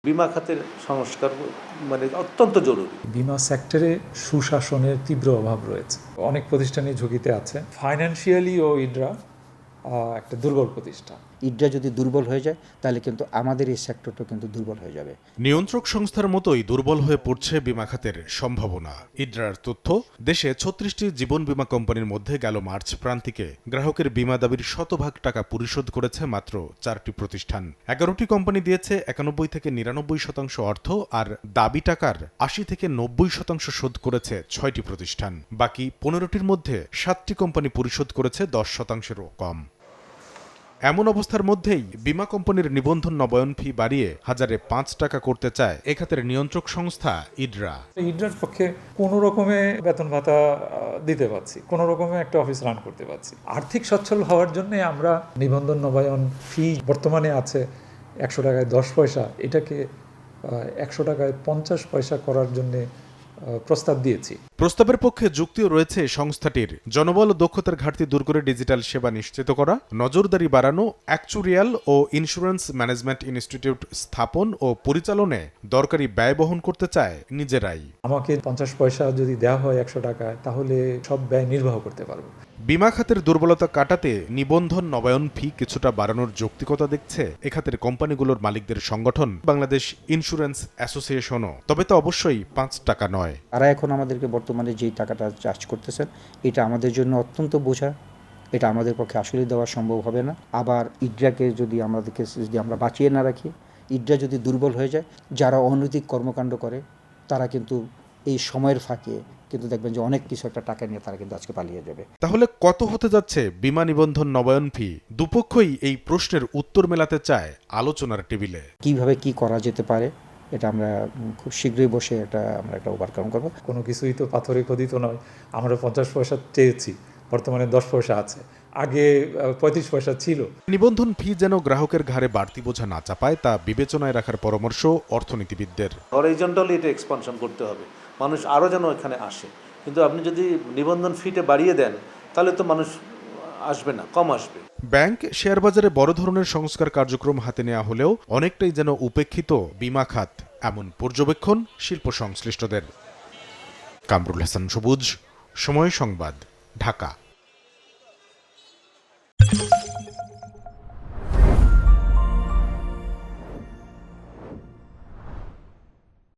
বিমা খাতের সংস্কার মানে অত্যন্ত জরুরি। বিমা সেক্টরে সুশাসনের তীব্র অভাব রয়েছে, অনেক প্রতিষ্ঠানই ঝুঁকিতে আছে। ফাইন্যান্সিয়ালি ও ইডরা একটা দুর্বল প্রতিষ্ঠান। ইডরা যদি দুর্বল হয়ে যায় তাহলে কিন্তু আমাদের এই সেক্টরটা কিন্তু দুর্বল হয়ে যাবে। নিয়ন্ত্রক সংস্থার মতোই দুর্বল হয়ে পড়ছে বিমা খাতের সম্ভাবনা। ইডরার তথ্য, দেশে 36টি জীবন বীমা কোম্পানির মধ্যে গেল মার্চ প্রান্তিকে গ্রাহকের বীমা দাবির 100% টাকা পরিশোধ করেছে মাত্র 4টি প্রতিষ্ঠান। 11টি কোম্পানি দিয়েছে 91 থেকে 99% অর্থ, আর দাবি টাকার 80 থেকে 90% শোধ করেছে 6টি প্রতিষ্ঠান। বাকি 15টির মধ্যে 7টি কোম্পানি পরিশোধ করেছে 10%-এরও কম। এমন অবস্থার মধ্যেই বিমা কোম্পানির নিবন্ধন নবায়ন ফি বাড়িয়ে 1005 টাকা করতে চায় এ খাতের নিয়ন্ত্রক সংস্থা ইডরা। ইডরার পক্ষে কোনো রকমে বেতন ভাতা দিতে পারছি, কোনো রকমে একটা অফিস রান করতে পারছি। আর্থিক সচ্ছল হওয়ার জন্য আমরা নিবন্ধন নবায়ন ফি বর্তমানে আছে 100 টাকায় 10 পয়সা, এটাকে 100 টাকায় 50 পয়সা করার জন্য প্রস্তাব দিয়েছি। প্রস্তাবের পক্ষে যুক্তিও রয়েছে সংস্থাটির। জনবল ও দক্ষতার ঘাটতি দূর করে ডিজিটাল সেবা নিশ্চিত করা, নজরদারি বাড়ানো, অ্যাকচুরিয়াল ও ইন্স্যুরেন্স ম্যানেজমেন্ট ইনস্টিটিউট স্থাপন ও পরিচালনায় দরকারি ব্যয় বহন করতে চায় নিজেরাই। আমাকে 50 পয়সা যদি দেওয়া হয় 100 টাকায়, তাহলে সব ব্যয় নির্বাহ করতে পারবো। বিমা খাতের দুর্বলতা কাটাতে নিবন্ধন নবায়ন ফি কিছুটা বাড়ানোর যৌক্তিকতা দেখছে এ খাতের কোম্পানিগুলোর মালিকদের সংগঠন বাংলাদেশ ইন্স্যুরেন্স অ্যাসোসিয়েশনও। তবে তা অবশ্যই 5 টাকা নয়। তারা এখন আমাদেরকে বর্তমানে যেই টাকাটা চার্জ করতেছেন, এটা আমাদের জন্য অত্যন্ত বোঝা, এটা আমাদের পক্ষে আসলে দেওয়া সম্ভব হবে না। আবার ইডরাকে যদি আমরা বাঁচিয়ে না রাখি, ইডরা যদি দুর্বল হয়ে যায়, যারা অনৈতিক কর্মকাণ্ড করে তারা কিন্তু এই সময়ের ফাঁকে কিন্তু দেখবেন যে অনেক কিছু একটা টাকা নিয়ে তারা কিন্তু আজকে পালিয়ে যাবে। তাহলে কত হতে যাচ্ছে বিমা নিবন্ধন নবায়ন ফি? দুপক্ষই এই প্রশ্নের উত্তর মেলাতে চায় আলোচনার টেবিলে। কিভাবে কি করা যেতে পারে এটা আমরা খুব শীঘ্রই বসে আমরা একটা ওভারকাম করব। কোনো কিছুই তো পাথরে খোদিত নয়। আমরা 50 পয়সা চেয়েছি, বর্তমানে 10 পয়সা আছে, আগে 35 পয়সা ছিল। নিবন্ধন ফি যেন গ্রাহকের ঘাড়ে বাড়তি বোঝা না চাপায় তা বিবেচনায় রাখার পরামর্শ অর্থনীতিবিদদের। হরাইজন্টালি এটা এক্সপানশন করতে হবে, মানুষ আরও যেন এখানে আসে। কিন্তু আপনি যদি নিবন্ধন ফিটা বাড়িয়ে দেন তাহলে তো মানুষ আসবে না, কম আসবে। ব্যাংক, শেয়ার বাজারে বড় ধরনের সংস্কার কার্যক্রম হাতে নেওয়া হলেও অনেকটাই যেন উপেক্ষিত বিমা খাত, এমন পর্যবেক্ষণ শিল্প সংশ্লিষ্টদের। কামরুল হাসান সবুজ, সময় সংবাদ, ঢাকা।